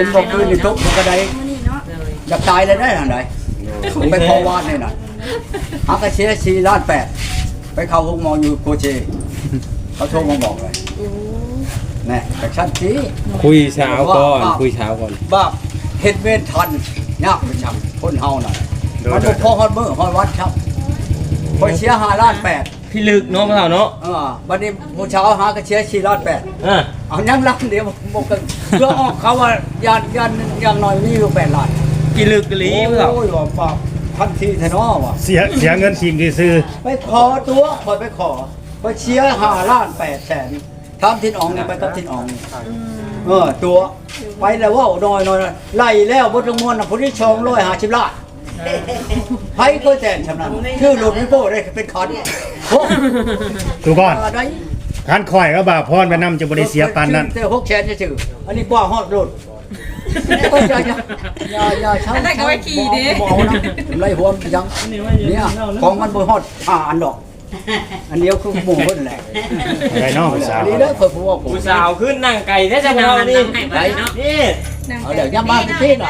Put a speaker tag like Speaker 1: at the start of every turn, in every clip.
Speaker 1: นบอกคืนนี่ทุกมันก็ได้อยากตายเลยได้ทางไหนไปขอวาดนี่น่ะฮักกระเชีย4.8 ล้านไปเข้าห้องหมออยู่โคเชเขาโทรมาบอกเลยแน่แต่ชัดสิ
Speaker 2: คุยเช้าก่อนคุยเช้าก่อน
Speaker 1: บ้าเฮ็ดเวรทันยากไปช่างคนเฮาน่ะมันบ่พอฮอดมื้อฮอดวัดครับพอเชีย5.8 ล้าน
Speaker 2: พี่ลึกเนาะพ่อเฒ่าเนาะ
Speaker 1: บัดนี้มื้อเช้าหากระเชีย4.8 ล้านเอายังลังเดียวบ่กันเพื่อออกเขาว่ายานอย่างน้อยมีอยู่8 ล้าน
Speaker 2: พี่ลึกกะลีพ่อเฒ่า
Speaker 1: โอ้ยว่าปากทันทีแท้เนาะว่ะ
Speaker 3: เสียเงินทีมซื้อ
Speaker 1: ไปขอตัวขอไปขอไปเชียร์5.8 ล้านทำทินอองนี่ไปกับทินอองนี่ตัวไปแล้วว่าน้อยไล่แล้วบทมวลผู้ที่ชง150 ล้านไผก็แจ้งชำนาญชื่อหลุดไม่โป้ได้เป็นคัน
Speaker 3: ดูก่อนคันข่อยก็บ่าพรไปนำจะบ่ได้เสียปานนั้น
Speaker 1: แต่6 แสนจะชื่ออันนี้กว่าฮอดรถก็อย่าใช้อันนั้นก็ไว้ขี่ดิบ่เอานะไล่หัวยังเนี่ยของมันบ่ฮอดอันดอกอันเดียวคือหมู่เพิ่นแหละ
Speaker 3: ไก่น้องผู้สาว
Speaker 1: นี่เด้อเพิ่นผู้ว่า
Speaker 2: ผู้สาวขึ้นนั่งไก่แท้จังเฮานี่นี่
Speaker 1: เอาเดี๋ยวย่ำบ้านพี่น่ะ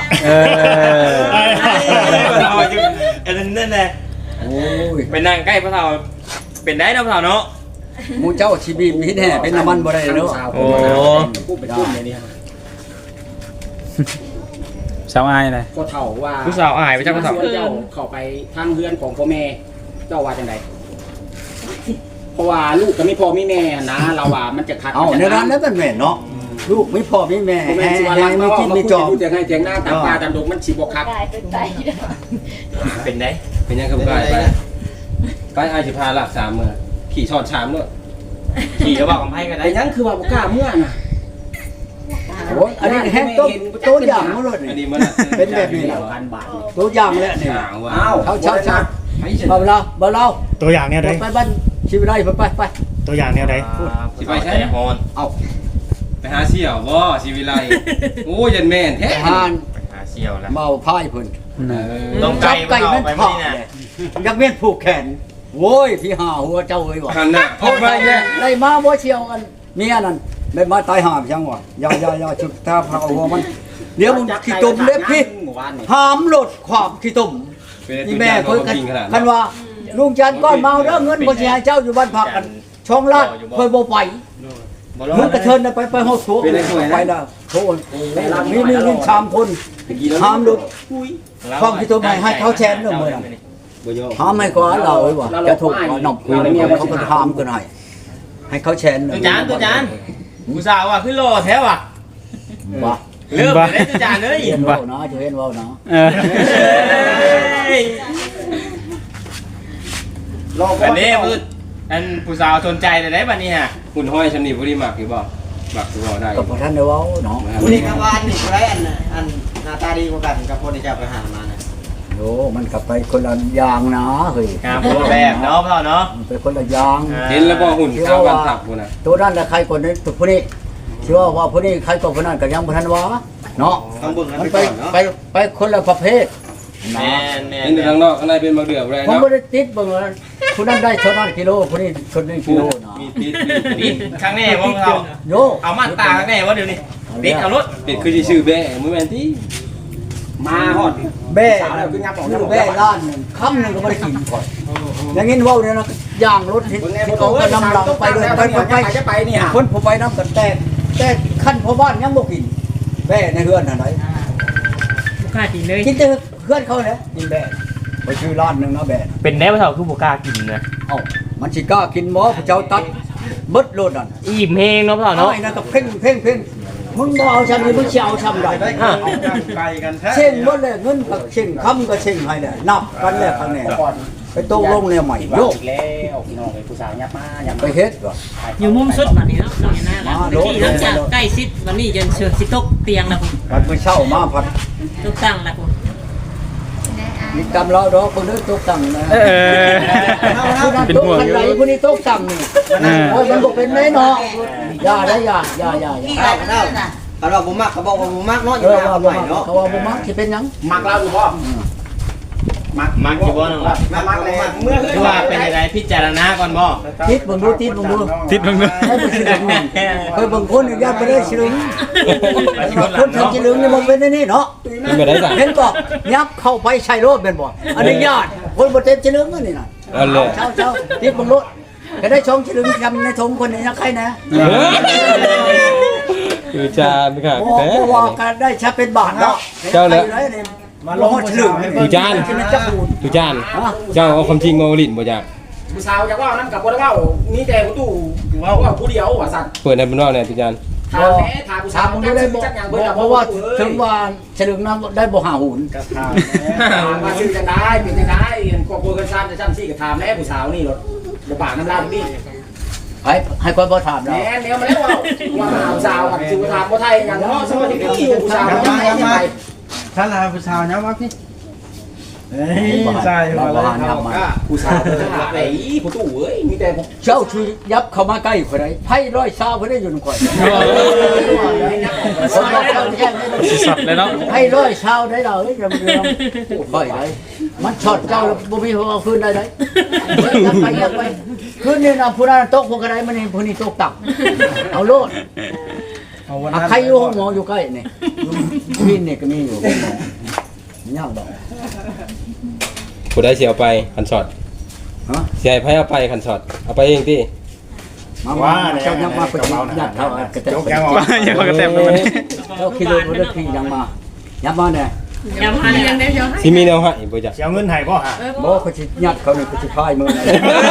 Speaker 2: อันนั้นแหละโอ้ยไปนั่งใกล้พ่อเฒ่าเป็นได้เนาะพ่อเฒ่าเนาะ
Speaker 1: หมู่เจ้าชีบีมีแน่เป็นน้ำมันบ่ได้เนาะ
Speaker 2: โอ้
Speaker 4: พูดเป็นตุ้มเนี่ย
Speaker 5: สาวอายอะไร
Speaker 4: ก็เท่าว่า
Speaker 2: ผู้สาวอายไปจังพ่อเฒ่า
Speaker 4: เจ้าเข้าไปทางเฮือนของพ่อแม่เจ้าว่าจังไดเพราะว่าลูกก็ไม่พ่อไม่แม่นะเราว่ามันจะขัด
Speaker 1: ในร้านแล้วมันแม่เนาะลูกไม่พ่อไม่แม่
Speaker 4: แม่สิว่ารักไม่กินไม่จอบจะให้เถียงหน้าตามปลาตามดงมันสิบ่คัก
Speaker 2: เป็นได้
Speaker 6: เป็นยังกับกายไปอายสิพาหลัก3มื้อขี่ช้อนชามด้วย
Speaker 2: ขี่ก็บอกกับไผก็ได้
Speaker 4: ยังคือว่าบ่กล้าเมื่อน่ะ
Speaker 1: โอ้อันนี้แห้งตัวอย่างมาเลยอันนี้มันเป็นแบบนี้ตัวอย่างเลยนี่อ้าวเขาชัดบ่เรา
Speaker 3: ตัวอย่างแนวใด
Speaker 1: ไปบ้านชีวิตได้ไป
Speaker 3: ตัวอย่างแนวใด
Speaker 6: สิไปใช้ฮอนเอ้าไปหาเสี่ยวบ่ชีวิไลโอ้ยันแม่นแท้
Speaker 1: หาน
Speaker 2: ไปหาเสี่ยวแล้ว
Speaker 1: เมาพายเพิ่น
Speaker 2: ต้องไก่มัน
Speaker 1: ถอดอยากเวียนผูกแขนโว้ยพี่หาหัวเจ้าเอ้ยว่ะ
Speaker 6: หันน่ะพบไปเนี่ย
Speaker 1: ได้มาบ่เชียวกันเมียนั่นได้มาตายหาจังวะอย่าชุดตาพาหัวมันเดี๋ยวมึงขี้ตุ่มเล็บพี่หามลดความขี้ตุ่มนี่แม่เพิ่นคันว่าลุงจันก้อนเมาเด้อเงินบ่สิให้เจ้าอยู่บ้านพักกันช่องลาดเพิ่นบ่ไปมึงกระเทินไปฮอดโถไปแล้วโถมี3 คนหามลดความขี้ตุ่มให้เขาแชนเด้อมื้อนั้นหามให้กว่าเราเอ้ยว่ะจะถูกนอกเขาก็หามกันให้เขาแชน
Speaker 2: ตัวจานผู้สาวว่ะขึ้นโลแท้ว่ะ
Speaker 1: ว่ะ
Speaker 2: เริ่มได้ตัวจานเลย
Speaker 1: เห็นว่าเนาะจะเห็นว่าเนาะ
Speaker 2: อันนี้อันผู้สาวสนใจแต่ได้บัดนี้ฮะ
Speaker 6: หุ่นห้อยชำนี่บ่ได้มักหรือบ่มักคือบ่ได้
Speaker 1: ก็บ่ทันได้เว้าเนาะ
Speaker 4: นี่ก็ว่านี่ไรอันหน้าตาดีกว่ากันกับคนที่จะไปหามานะ
Speaker 1: โอ้มันกลับไปคนละอย่างนะเฮ้ย
Speaker 2: คนละแบบเนาะพ่อเนาะ
Speaker 1: ไปคนละอย่าง
Speaker 6: เห็นแล้วบ่หุ่นข้าวบ้านทับพุ่นน่ะ
Speaker 1: ตัวนั้นน่ะใครคนนี้ตัวผู้นี้เชื่อว่าผู้นี้ใครก็ผู้นั้นก็ยังบ่ทันว่าเนาะมันไปคนละประเภท
Speaker 2: แม่
Speaker 6: นๆทางนอกข้างในเป็นมะเดื่อแรงเนาะ
Speaker 1: ผมบ่ได้ติดเบิ่งผู้นั้นได้เท่านั้นกิโลผู้นี้คนนึงกิโลเนาะ
Speaker 6: มีติด
Speaker 2: ข้างแน่บ่เรา
Speaker 1: โย
Speaker 2: เอามันตาข้างแน่ว่าเดี๋ยวนี้ติดเอารถ
Speaker 6: ติดคือสิชื่อแบ่มื้อแม่นติ
Speaker 4: มาฮอด
Speaker 1: แบ่แบ่ล้านนึงคำนึงก็บ่ได้กินก่อนอย่างงี้เว้าเนี่ยนะย่างรถที่เขาก็นำหลังไปเลยไปนี่ฮะคนผู้ไปนำกันแต่ขั้นพ่อบ้านยังบ่กินแบ่ในเฮือนอันใด
Speaker 2: บ่กล้ากินเลย
Speaker 1: กินแต่เฮือนเขาแหละกินแบ่ไปซื้อร้านนึงนะแบ่
Speaker 2: เป็นแน่บ่เฒ่าคือบ่กล้ากินนะ
Speaker 1: เอ้ามันสิกล้ากินบ่พระเจ้าตัดเบิดโลดนั่น
Speaker 2: อิ่มเฮงเนาะพ่อเนาะ
Speaker 1: ไอ้นั่นก็เพ่งมึงบ่เอาชั้นนี้มึงสิเอาชั้นใด
Speaker 4: ไกลกันแท้
Speaker 1: เช่นบ่เลยเงินก็เช่นคำก็เช่นให้แหละนับกันแล้วข้างแน่ไปตกลงแล้วใหม่โยก
Speaker 4: แล้วพี่น้องไอ้ผู้สาวยับมา
Speaker 1: ไปเฮ็ดว่ะ
Speaker 5: อยู่มุมสุดบัดนี้เนาะที่หลังจากใกล้ชิดวันนี้จนสิตกเตียงแล้ว
Speaker 1: พุ่นไปเช่ามาพัด
Speaker 5: ตกตั้งแล้วพุ่น
Speaker 1: มีกำเราดอกเพิ่นตกตั้งนะเป็นห่วงอยู่ผู้นี้ตกตั้งนี่โอ้ยมันบ่เป็นแน่เนาะอย่าได้อย่า
Speaker 4: เขาบอกบ่มักเขาบอกว่าบ่มักเนาะอยู่แล้วใหม่เนาะ
Speaker 1: เขาว่าบ่มักสิเป็นหยัง
Speaker 4: มักเราอยู่บ่
Speaker 2: มักอยู่บ่น้องล่ะ
Speaker 4: มักเลยเมื่อ
Speaker 2: คือว่าเป็นอะไรพิจารณาก่อนบ่
Speaker 1: ติดเบิ่งดูติดเบิ่งดู
Speaker 3: ทิศเบิ่งดู
Speaker 1: ให้บ่สิลึงเคยเบิ่งคนญาติบ่ได้สิลึงคนทำสิลึงนี่บ่เป็นนี่เนาะ
Speaker 6: เป็นไปได้จ้ะ
Speaker 1: เห็นก็ยับเข้าไปใช้รถเป็นบ่อนุญาตคนบ่เต็มสิลึงนี่น่ะ
Speaker 6: เอาเลย
Speaker 1: เช้าติดเบิ่งรถก็ได้ชมสิลึงทำในทงคนนี้นะใครนะ
Speaker 6: คือจานค่ะ
Speaker 1: บ่บ่ว่ากันได้ชาเป็นบาทเนาะ
Speaker 6: เจ้าเลย
Speaker 1: มาลงฉลึง
Speaker 6: ดูจาน
Speaker 1: จะพูด
Speaker 6: ทุกจานเจ้าเอาความจริงมาลิ้นบ่จ้ะ
Speaker 4: ผู้สาวจะว่านั่นกับบ่ได้ว่ามีแต่ผู้ตู้ว่าผู้เดียวว่าสั่น
Speaker 6: เปิดในบ้านนอกเนี่ยทุกจาน
Speaker 4: ถามแม่ถามผู้สา
Speaker 1: ถาว มมึงได้บ่เพราะว่าถึงว่าฉลึงนั้นได้บ่หาหุน
Speaker 4: มาซื้อจังได้เป็นจังได้ครอบครัวกันซ้ำจะซ้ำซี่ก็ถามแม่ผู้สาวนี่รถบ่ปากน้ำลายนี่
Speaker 1: ให้คนบ่ถามเรา
Speaker 4: แม่เดี๋ยวมาแล้วว่าผู้สาวกับสิถามบ่ไทยอย่างเนาะสมัยที่ผู้สาวบ่ไทยยังไง
Speaker 7: ท่านลาผู้สาวเนาะมาพี่เฮ้ย
Speaker 1: บ่
Speaker 7: ใช่
Speaker 1: บ่
Speaker 7: มา
Speaker 1: หา
Speaker 7: แล้ว
Speaker 1: นำมา
Speaker 4: ผู้สาวไอ้ผู้ตู้เอ้ยมีแต่
Speaker 1: เจ้าช่วยยับเข้ามาใกล้ข่อยได้ไผร้อยชาวบ่ได้อยู่นำข่อย
Speaker 3: สัตว์เลยเนาะ
Speaker 1: ไผร้อยชาวได้ดอกเอ้ยจำเรื่องข่อยได้มันช็อตเจ้าบ่มีเอาคืนได้ได้ยับไปคืนนี้น่ะผู้นั้นตกผู้กระไดมันนี่ผู้นี้ตกต่ำเอาโลด
Speaker 7: เอาวัน
Speaker 1: อ่ะ
Speaker 7: นั้น
Speaker 1: ใครอยู่ห้องหมออยู่ใกล้นี่พี่นี่ก็มีอยู่ห้องหมอยังดอก
Speaker 6: ผู้ใดสิเอาไปคันช็อต
Speaker 1: ฮะ
Speaker 6: สิให้ไผเอาไปคันช็อตเอาไปเองติ
Speaker 1: มาเจ้ายังมาประชุมญาติเขากระเต
Speaker 3: โจกยังออกยังกระเต็มเลยมัน
Speaker 1: เจ้าขี่รถบ่ได้ขี่ยังมายับมาเนี่ย
Speaker 5: อย่ามาเรียนได้เดี๋ยวให้
Speaker 6: สิมีแนวให้บ่จ้ะ
Speaker 3: สิเอาเงินให้บ่ฮะ
Speaker 1: บ่เขาสิยัดเขานี่เขาสิพายมือนะ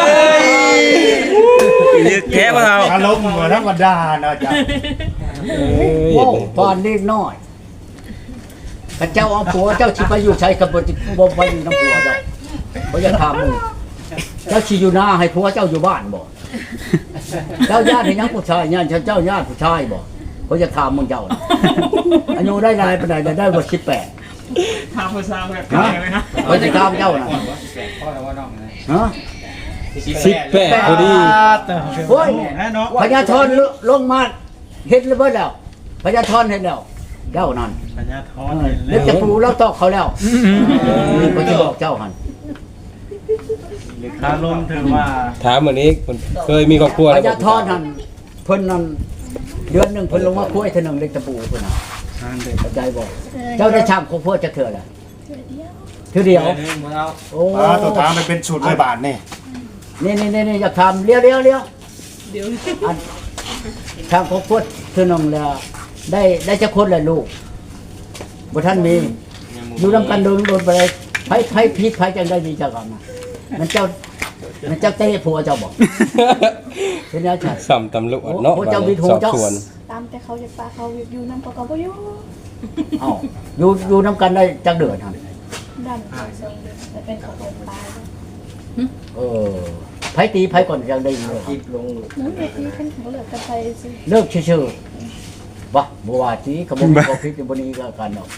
Speaker 2: ลึกแท้บ่เฮา
Speaker 3: อารมณ์บ่ธรรมดาเนาะจ้ะ
Speaker 1: โอ้ปานเล็กน้อยข้าเจ้าเอาผัวเจ้าสิไปอยู่ใช้กับบ่ไปอยู่น้ำผัวเจ้าบ่อยากถามมึงเจ้าสิอยู่หน้าให้ผัวเจ้าอยู่บ้านบ่เจ้าญาติให้ยังผู้ชายญาติเจ้าญาติผู้ชายบ่บ่อยากถามมึงเจ้าอายุได้หลายปานใดได้บ่18
Speaker 5: ถามผู้สาวแบบนี้ไหมฮะ
Speaker 1: บ่จะถามเจ้าน่ะฮะ
Speaker 6: 18พอดี
Speaker 1: โอ้ย
Speaker 7: เนาะ
Speaker 1: พญาธรลงมาเห็นแล้วเบิดแล้วพญาธรเห็นแล้วเจ้านั่น
Speaker 7: ปัญญาทอน
Speaker 1: เล็กจะปูแล้วตอกเขาแล้วนี่ก็จะบอกเจ้าหัน
Speaker 7: คาลมถือว่า
Speaker 6: ถามมื้อนี้เคยมีครอบครัว
Speaker 1: พ
Speaker 6: แล้วบ่
Speaker 1: ญาธรนั่นเพิ่นนั่นเดือนหนึงเพิ่นลงมาคุยเท่านึงเล็กตะปูเพิ่นน่ะเข้าใจบ่เจ้าได้ชามของพ่อจะเถื่อล่ะเถื่อเดียวโอ้
Speaker 3: ตัวถามมันเป็นสูตร100 บาทนี่
Speaker 1: นี่อยากทำเลี้ยวอันทางของพ่อเถื่อนึงแล้วได้จะคนละลูกบ่ท่านมีอยู่นำกันโดนไปไผผิดไผจังได้ดีจังกันนะมันเจ้าเตะผัวเจ้าบอกเป็นยังไง
Speaker 6: สัมตำรวจเนาะ
Speaker 1: โอ้เจ้าวิทย์โห
Speaker 6: สอบ
Speaker 1: เจ้า
Speaker 6: สวน
Speaker 8: ตามแต่เขาจะปาเขาอยู่น้ำก็บ่อยู่
Speaker 1: เอ้าอยู่นำกันได้จักเดือนหั่น
Speaker 8: ดันแต่เป็นเขาเป็นตาย
Speaker 1: เออไผตีไผก่อนจังได้เลยครับ
Speaker 8: นู้นเด็กนี่เป็นเขาเหลือแต่ไปสิ
Speaker 1: เลิกชื่อๆบ่บ่ว่าสิเขาบ่มีความผิดอยู่บ่นี้ก็กันดอก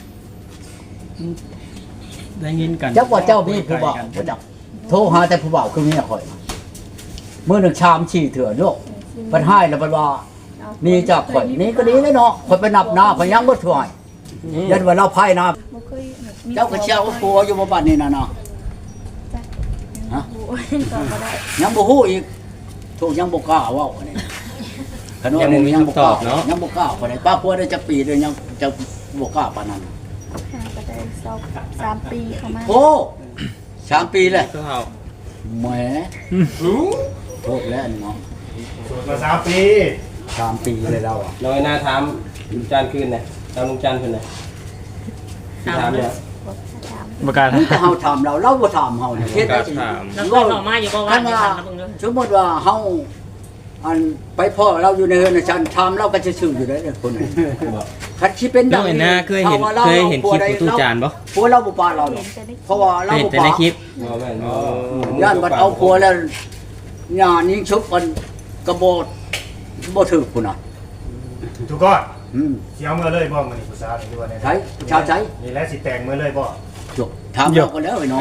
Speaker 7: ได้ยินกัน
Speaker 1: จักว่าเจ้ามีผู้บ่าวบ่จักโทรหาแต่ผู้บ่าวคือเมียข่อยมื้อหนึงชาม4เถื่อโยกเพิ่นให้แล้วเพิ่นว่านี่จากข่อยนี่ก็ดีเลยเนาะข่อยไปนับหน้าข่อยยังบ่ถ่วยยันว่าเราไพ่น้า
Speaker 8: บ่เคย
Speaker 1: เจ้าก็เชี่ยวผัวอยู่บ่บัดนี้น่ะเนาะ ฮะ
Speaker 8: ก็บ่ได้
Speaker 1: ยังบ่ฮู้อีกถูกยังบ่กล้าเว้าอันนี้ขนมนี่ยังบ่กล้ายังบ่กล้าปานใดป้าผัวได้จักปีเด้ยังจะบ่กล้าปานนั้น
Speaker 8: ก็ได้3ปีเข้ามา
Speaker 1: โอ้3 ปีแล้ว
Speaker 2: ตัวเฮา
Speaker 1: แหมโทษแล้วนี่เนาะ
Speaker 3: สูตรมา3 ปี
Speaker 1: 3 ปีเลยเราอ่ะ
Speaker 6: น้อยหน้าถามลุงจานคืนน่ะถามลุงจานคืนน่ะถามเนี่ย
Speaker 3: ประกาศ
Speaker 1: มันก็เฮาถามเราบ่ถามเฮานี่เฮ็ดได้สิ
Speaker 5: แล้วก็ต่อมาอยู่ก็ว่า
Speaker 1: คัน
Speaker 5: ไม่
Speaker 1: ว่า
Speaker 5: ทันนะเพิ่งเลย
Speaker 1: สมมุติว่าเฮาอันไปพ่อเราอยู่ในเฮือนฉันถามเราก็ซื่อๆอยู่ได้คนนี้คันสิเป็นดังนี้เคยเห็นคลิปของตู้จานบ่ผัวเราบ่ปาเราหรอกเพราะว่าเราบ่ปา
Speaker 6: บ่แม่นบ่
Speaker 1: ย่านบัดเอาผัวแล้วญาณยิงชุบกันกระโบดบ่ถึกพุ่นน่ะ
Speaker 3: ทุกคน
Speaker 1: อืม
Speaker 3: สิเอามื้อเลยบ่มื้อนี้ผู้สาวนี่ว่าแน่
Speaker 1: ใช้ชาวใช้
Speaker 3: นี่แหละสิแต่งมื้อเลยบ่
Speaker 1: จบถามเราก็แล้วไอ้น้อง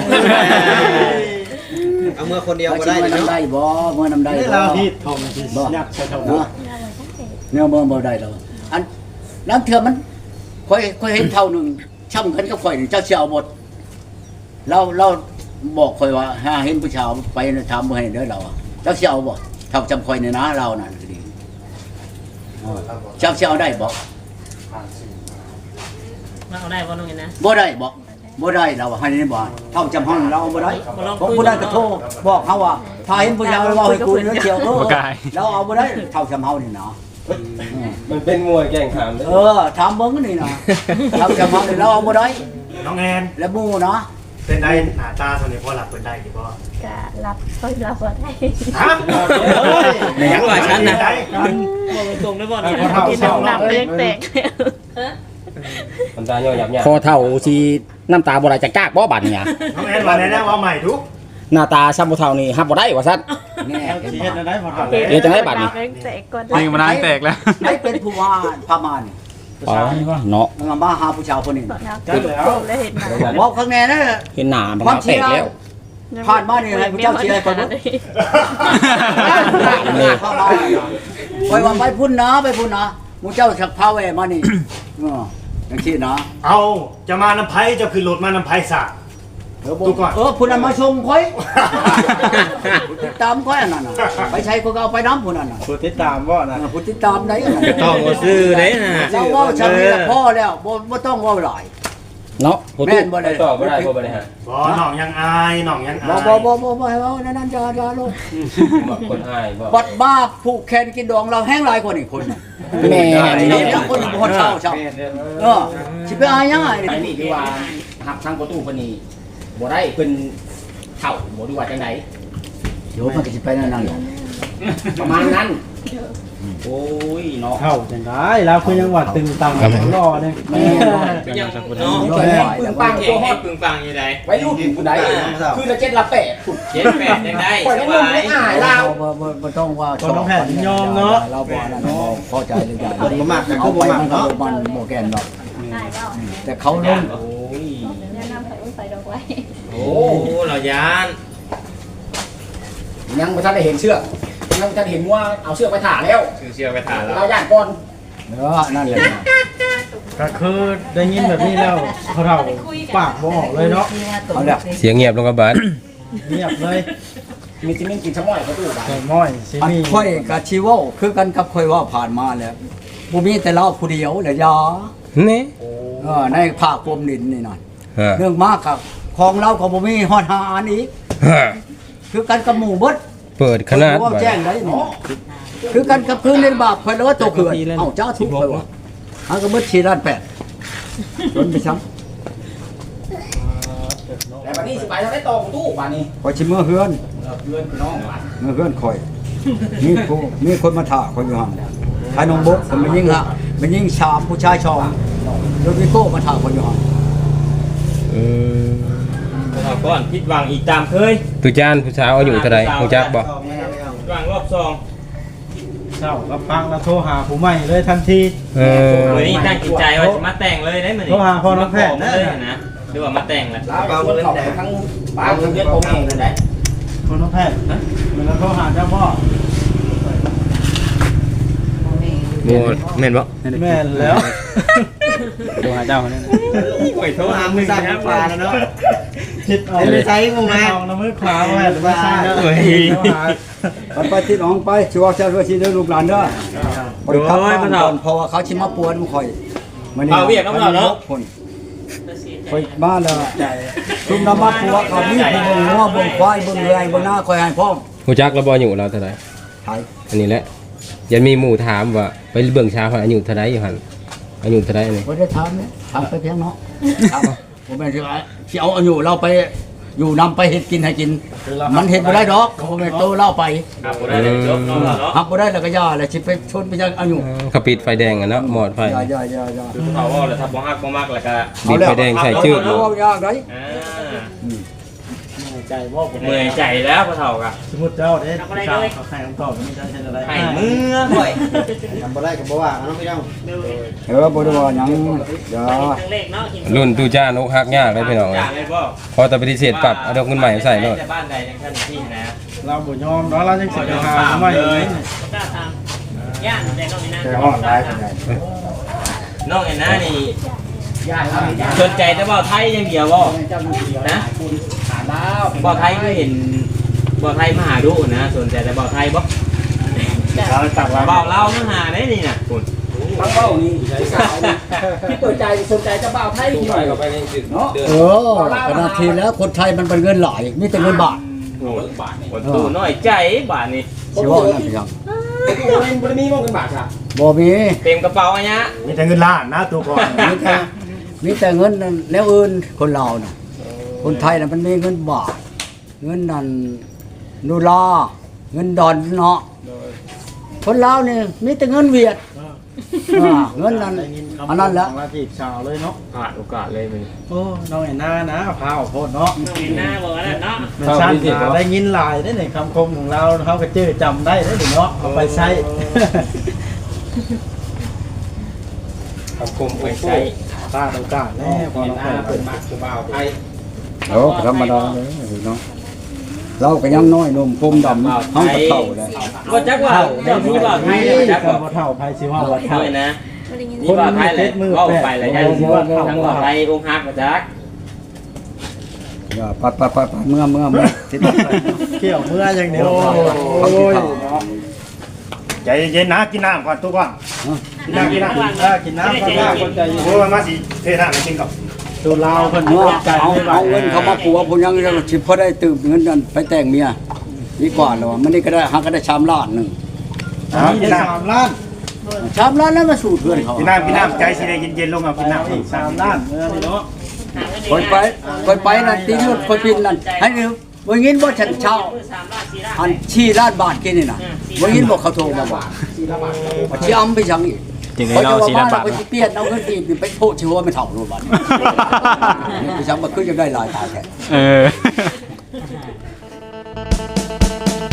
Speaker 7: เอาเมื่อคนเดียวก็
Speaker 1: ได้
Speaker 7: ได้
Speaker 1: เนาะ
Speaker 7: เนาะ
Speaker 1: ได้บ่เมื่อนำได้
Speaker 7: นี่
Speaker 1: บ่
Speaker 7: เราที่ทองที่ยักษ์ใช้เท่า
Speaker 1: เนาะเนี่ยบ่ได้แล้วอันน้ำเถื่อมันค่อยเห็นเท่านึงช่ำกันกับข่อยนี่เจ้าสิเอาหมดเราบอกคอยว่าหาเห็นผู้ชายไปถามบ่ให้เด้อเราจักสิเอาบ่เท่าจำคอยในนะเรานั่นก็ดีจักสิเอาได้บ่
Speaker 5: มาเอาได้บ่น้องเห็นนะ
Speaker 1: บ่ได้บ่ได้เราให้นี่บ่เท่าจำห้องเราบ่ได้ผมบ่ได้ก็โทรบอกเขาว่าถ้าเห็นผู้ชายเว้าให้กูเด้อเที่ยวเราเอาบ่ได้เท่าจำเฮานี่เนาะ
Speaker 6: มันเป็นมวยแข่งขัน
Speaker 1: ถามเบิ่งนี่นะเราจำเฮานี่เราเอาบ่ได้
Speaker 3: น้องแอน
Speaker 1: แล้วหมู่เนาะ
Speaker 3: เป็นได้หน้าตาตัวนี้พอหลับเป็นได้กี่บ่
Speaker 8: กะรับค่อยรับบ่ได้
Speaker 3: ฮะ
Speaker 2: ในยังว่าฉันนะ
Speaker 5: บ่ตรงได้บ่นี่
Speaker 8: กินน้ำหนักเล็กแตก
Speaker 6: มันตาย่อยหยับเนี่ย
Speaker 4: คอเท่าสิน้ำตาบ่ไหลจากจากบ่บัดเนี่ย
Speaker 3: น้องแอนว่าแน่ๆว่าใหม่ทุก
Speaker 4: หน้าตาซ้ำบ่เท่านี่ฮับบ่ได้ว่าซั่น
Speaker 1: แน่เห็น
Speaker 7: สิ
Speaker 1: บ่
Speaker 7: เฮ็ดได้พอเฒ่า
Speaker 4: เดี๋ยวจะได้บัตรนี่
Speaker 8: เล็กแตกก่อน
Speaker 1: นี่มันแตกแล้วไอ้เป็นผู้ว่าพม่านี่
Speaker 4: อ๋อเนาะ
Speaker 1: มันมาหาผู้ชายคนนี้
Speaker 8: ตอนนั้นก็เลยเห็นมา
Speaker 1: บอกข้างในนั่น
Speaker 4: เห็นหน้ามันแตกแล้ว
Speaker 1: ผ่านมานี่ให้ผู้เจ้าเชียร์คนนู้นไปว่าไปพุ่นนะไปพุ่นนะผู้เจ้าสักพาแวมานี่อย่างที่นะ
Speaker 3: เอาจะมาน้ำไผจะขึ้นรถมาน้ำไผซะ
Speaker 1: พุ่นนั้นมาชมค่อยตามค่อยนั่นน่ะไปใช้ก็เอาไปน้ำพุ่นนั่นน่ะ
Speaker 7: ผู้ติดตามบ่นะ
Speaker 1: พุ่นติดตามได้
Speaker 2: ต้องบ่ซื้อเด้นะ
Speaker 1: เราว่าชาวนี้พ่อแล้วบ่ต้องว่าหลาย
Speaker 4: เนาะผู้
Speaker 1: แม่
Speaker 4: ตู้
Speaker 1: นบ่
Speaker 6: ไป
Speaker 1: ได้
Speaker 6: ต่อไม่ได้พวกบริหาร
Speaker 3: บ่น้องยังอายน้องยังอา
Speaker 1: บ่
Speaker 3: ย
Speaker 1: บ่ให้เว้านั่นจะลูก
Speaker 6: บอกคนอายบอก
Speaker 1: บัดบ้าผูกแขนกินดองเราแห้งหลายคนอีกคน
Speaker 4: แม่
Speaker 1: นี่คนบ่เช่าสิไปอายยังไง
Speaker 4: ไอ้นี่ที่ว่าหับทางประตูเพิ่นนี่บ่ได้เพิ่นเฒ่าบ่ดูว่าจังได
Speaker 1: เดี๋ยวมันก็สิไปนั่น
Speaker 4: ประมาณนั้นโอ้ยเนาะ
Speaker 7: เข้าจังได้แล้วคือยังว่าตึงตังรอเด้
Speaker 2: ยังเนาะ
Speaker 4: แข็งปึงปัง
Speaker 2: แข็
Speaker 4: ตัว
Speaker 2: ง
Speaker 4: ฮ
Speaker 2: ให้
Speaker 4: อด
Speaker 2: ปึงปังอยู่ใด
Speaker 4: ไว้รุ่นผู้ใดคือละ7ละ8พุ่น
Speaker 2: เจ็ดแปดยังได้
Speaker 4: ปล่อย
Speaker 2: ส
Speaker 4: ให้
Speaker 2: บา
Speaker 4: มึง
Speaker 2: ย
Speaker 4: ได้อายเรา
Speaker 1: บ่ต้องว่าเราบ่นั่นพอใจเลยจ้ะ
Speaker 7: บ่มักก็
Speaker 1: เอา
Speaker 7: คือ
Speaker 1: ไป
Speaker 7: บ่มัก
Speaker 1: มันก็
Speaker 7: เนาะ
Speaker 1: มันบ่แก่นหรอก
Speaker 8: ได้แล้ว
Speaker 1: แต่เขาลง
Speaker 2: โอ้ย
Speaker 8: แนะนำใส่ดอกไว้
Speaker 2: โอ้เรายาน
Speaker 4: ยังบ่ทันได้เห็นเชือกยังบ่ทันเห็นว่าเอาเชือกไปถ่าแล้ว
Speaker 2: ซื้อเชื่อไปทานแล้ว
Speaker 4: เราย่านก่อน
Speaker 1: นั่นแหละ
Speaker 7: ก็คือได้ยินแบบนี้แล้วเขาเฒ่าปากบ่ออกเลยเนาะ
Speaker 1: เอาละ
Speaker 6: เสียงเงียบลงกับบาส
Speaker 7: เงียบเลย
Speaker 4: มีจิมิ่งกินชะม้อยประตูบ้าน
Speaker 7: ใส่ม้อยสิ
Speaker 1: อัน
Speaker 7: มี
Speaker 1: ค่อยกับชีวะคือกันกับค่อยว่าผ่านมาแล้วบ่มีแต่เราผู้เดียวแหละยา
Speaker 6: นี่
Speaker 1: ในภาคกรมดินนี่นั่น
Speaker 6: ฮะ
Speaker 1: เรื่องมากครับของเราก็บ่มีฮอดหาอันอีก
Speaker 6: ฮะ
Speaker 1: คือกันกับหมู่เบิด
Speaker 6: เปิดขนาด
Speaker 1: ว่า
Speaker 6: บาส
Speaker 1: แจ้งได้นี่คือกันกับคืนเล่นบาปเพิ่นเลยว่าตัวเขื่อนเอ้าจ้าทุกข์ไปว่ะหาก็เบิด4ล้าน8จนไปซ้ำ
Speaker 4: แต่วันนี้สิไปทางได้ตองตู้บ้านนี้
Speaker 1: ข่อยสิมื้อเฮือน
Speaker 4: เพื่อนพี่น้องบ้าน
Speaker 1: มื้อเฮือนข่อยมีคนมาถ่าข่อยอยู่หั่นทายน้องบกผมมันยิงฮะมันยิงชามผู้ชายชองโดยวิโก้มาถ่าข่อยอยู่หั่น
Speaker 2: เอาก่อนผิดหวังอีกตามเคย
Speaker 6: ตุจานผู้สาวอายุเท่าไหร่ฮู้จักบ่
Speaker 2: ผิดหวังรอบสอง
Speaker 7: เช้าก็ปังแล้วโทรหาผู้ใหม่เลยทันที
Speaker 2: มื้อนี้ตั้งจิตใจว่าจะมาแต่งเลยได้มื้อนี้
Speaker 7: โทรหาพ่อน้องแพทย์
Speaker 2: มาเลยนะหรือว่ามาแต่งแหละ
Speaker 4: แล้วชวนเขาไปทั้งบ้านทั้งเพื่อนผมเองนั่นแหละ
Speaker 7: คนน้องแพทย์มันก็โทรหาเจ้าพ่อ
Speaker 6: โมแม่นบ่
Speaker 7: แม่นแล้วโทรหาเจ้าเนี่ย
Speaker 2: โอ้ยโทรหามึงนะครับ
Speaker 7: คิดเอาเลยใช้มึงมาเอาน้ำมือขวาไว้หรือว่าซ้ายโทรหา
Speaker 1: ไปที่น้องไปสิว่าเจ้าว่าสิได้ลูกหลานเด้อข่อยขับบ้านก่อนเพราะว่าเขาสิมาปวนข่อยคนข่อยมาแล้วชุมน้ำมันผัวเขามีผู้เบิ่งงัวเบิ่งควายเบิ่งแรงเบิ่งหน้าข่อยให้พร้อม
Speaker 6: ฮู้จักแล้วบ่อายุเราเท่าไหร่
Speaker 1: ไทย
Speaker 6: อันนี้แหละยันมีหมู่ถามว่าไปเบิ่งชาวอายุเท่าไหร่อยู่หั่นอายุเท่าไหร่นี่
Speaker 1: บ่ได้ถามเนี่ยถามไปเพียงเนาะผมแม่นสิเอาอยู่เราไปอยู่นำไปเฮ็ดกินให้กิน มันเฮ็ดบ่ได้ดอกผมแม่นโตเล่าไป
Speaker 2: ครับบ่ได้เลยจบเนาะเนาะ
Speaker 1: หักบ่ได้แล้วก็ย่าแล้วสิไปชนไปยังเอาอยู่
Speaker 6: เขาปิดไฟแดงอ่ะเนาะหมอดไฟ
Speaker 1: อย่า
Speaker 2: เขาว่าแล้วถ้าบ่ฮักบ่มักแล้วก็
Speaker 6: ปิดไฟแดงใส่จืด
Speaker 1: เอายากได้
Speaker 2: อ่า
Speaker 7: ใจบ่ผม
Speaker 2: เมื่อยใจแล้วพ่อเฒ่าก็
Speaker 7: สมมุติเจ้าเด้เขาให้คำตอบนี่จะเช่นอะไร
Speaker 2: ให้มือค่อย
Speaker 7: ทำบ่ได้ก็บ่ว่าน้องพี่น้อง
Speaker 1: บ่ได้ว่าหยังอย่า
Speaker 5: ทั้งเลขเนาะกิน
Speaker 6: รุ่นตุจานอกหักยากเลยพี่น้อง
Speaker 2: จ้าเลยบ่
Speaker 6: พอแต่ปฏิเสธปรับเอาดอกเงินใหม่ใส่โลด
Speaker 2: แต่บ้านใดจังซั่นที่นะ
Speaker 7: เราบ่ยอมเนาะเราจังสิไปหาผู้ใหม่เลย
Speaker 5: กล้าทำย่านแต่น้องนี่นะ
Speaker 7: แต่อ่อนได้เป็นไง
Speaker 2: น้องไอ้น้านี่
Speaker 4: ญาติเราญาติ
Speaker 2: สนใจแต่บ่าวไทยอย่างเดียวบ่
Speaker 4: เจ้าอยู่เดียวนะคุณหาดาว
Speaker 2: บ่าวไทยก็เห็นบ่าวไทยมาหาดูนะสนใจแต่บ่าวไทยบ่
Speaker 3: เราตักว่า
Speaker 2: บ่าวลาวมาหาได้นี่น่ะคุณ
Speaker 4: ทั้งเบ้านี่สาวนี่ที่เปิดใจสนใจจะบ่าวไทย
Speaker 6: ตู้
Speaker 4: ที่
Speaker 6: ไป
Speaker 4: หน่อย
Speaker 6: ก็ไปในจุด
Speaker 4: เนาะ
Speaker 6: เดิน
Speaker 1: เออขนาดทีแล้วคนไทยมันเป็นเงินหลายมีแต่เงินบาท
Speaker 2: โอ้ยคนตู้น้อยใจบาทนี่
Speaker 1: สิว่านั่นพี่ยัง
Speaker 4: ตัวเองบริมีมองกันบาทค่ะ
Speaker 1: บ่มี
Speaker 2: เต็มกระเป๋าอันเนี้ย
Speaker 3: มีแต่เงินล้านนะตัวก่อน
Speaker 1: มีแต่เงินนั่นแล้วอื่นคนเราน่ะคนไทยน่ะมันมีเงินบาทเงินนั่นนูลาเงินดอนเนาะคนลาวนี่มีแต่เงินเวียดเงินนั้นอันนั้นแหละ
Speaker 7: มาจีบสาวเลยเนาะ
Speaker 2: พลาดโอกาสเลยมัน
Speaker 7: โอ้น้องเห็นหน้านะพาวโพดเนาะ
Speaker 5: เห็นหน้าบอกว่านั่นเนาะ
Speaker 7: มันสั้นได้ยินหลายได้ในคำคมของเราเขาก็เจอจำได้ได้เนาะเอาไปใช้
Speaker 6: ครับคมไป
Speaker 2: ไม่
Speaker 6: ใช้
Speaker 2: ใช่
Speaker 7: พลาดโอกาสแน่พอ
Speaker 4: เห็น
Speaker 7: น้อง
Speaker 4: หน้า
Speaker 7: เปิ
Speaker 4: เปิ
Speaker 7: ด
Speaker 4: ดมากคือบ่าวไทย
Speaker 1: โอ้ธรรมดาเลยเนาะเราก็ยังน้อยนมพมดำเฮาก็เฒ่าแล้ว
Speaker 2: ก็จักว่าเจ้ามีบ่าวไทยเลยจัก
Speaker 7: กั
Speaker 2: ว่า
Speaker 7: บเท่าไทยสิว่าว่าเท่า
Speaker 2: ด้วยนะ
Speaker 8: ไม่ได้ยิน
Speaker 2: มีบ่าวไทยเลยเว้าไปแล้วยังทั้งบ่าวไทยองค์ฮักมาจัก
Speaker 1: อย่าปัดเมื่อสิไป
Speaker 7: เกี่ยวเมื่ออย่างเดียว
Speaker 1: เขาสิเฒ่า
Speaker 3: ใจเย็นๆนะกินน้ำก่อนตัวก่อนกินน้ำ
Speaker 7: กินน้ำกินน้ำก็คนใจ
Speaker 3: โอ้มาสิเทน้ำให้กินก่อน
Speaker 7: ตัวเราคน
Speaker 1: เมื่อ
Speaker 7: ใจ
Speaker 1: เอาเงินเขามาปัวผมยังสิพอได้ตื่มเงินนั่นไปแต่งเมียดีกว่าแล้วมันนี่ก็ได้หาก็ได้ชามล้านนึง
Speaker 7: มีได้3 ล้าน
Speaker 1: ชามล้านแล้วมาสู่เพื่อนเขา
Speaker 3: กินน้ำใจสิได้เย็นๆลงเอากินน้ำ
Speaker 7: อีก3 ล้านเมื่อนี่เนาะ
Speaker 1: คนไปนั่นตีรถคนพินนั่นให้เร็ววันนี้บ่ฉันเช่าอันชี้ล้านบาทกินนี่น่ะวันนี้บอกเขาโทรมาบอกชี้อ้ำไปยังอีก
Speaker 2: จริงๆเรา4ล้านบาท
Speaker 1: ไปเปลี่ยนเอาเงินอีกไปโพดชื่อว่าไม่เท่าโลบันไปยังมาขึ้นยังได้หลายตาแค่
Speaker 2: เออ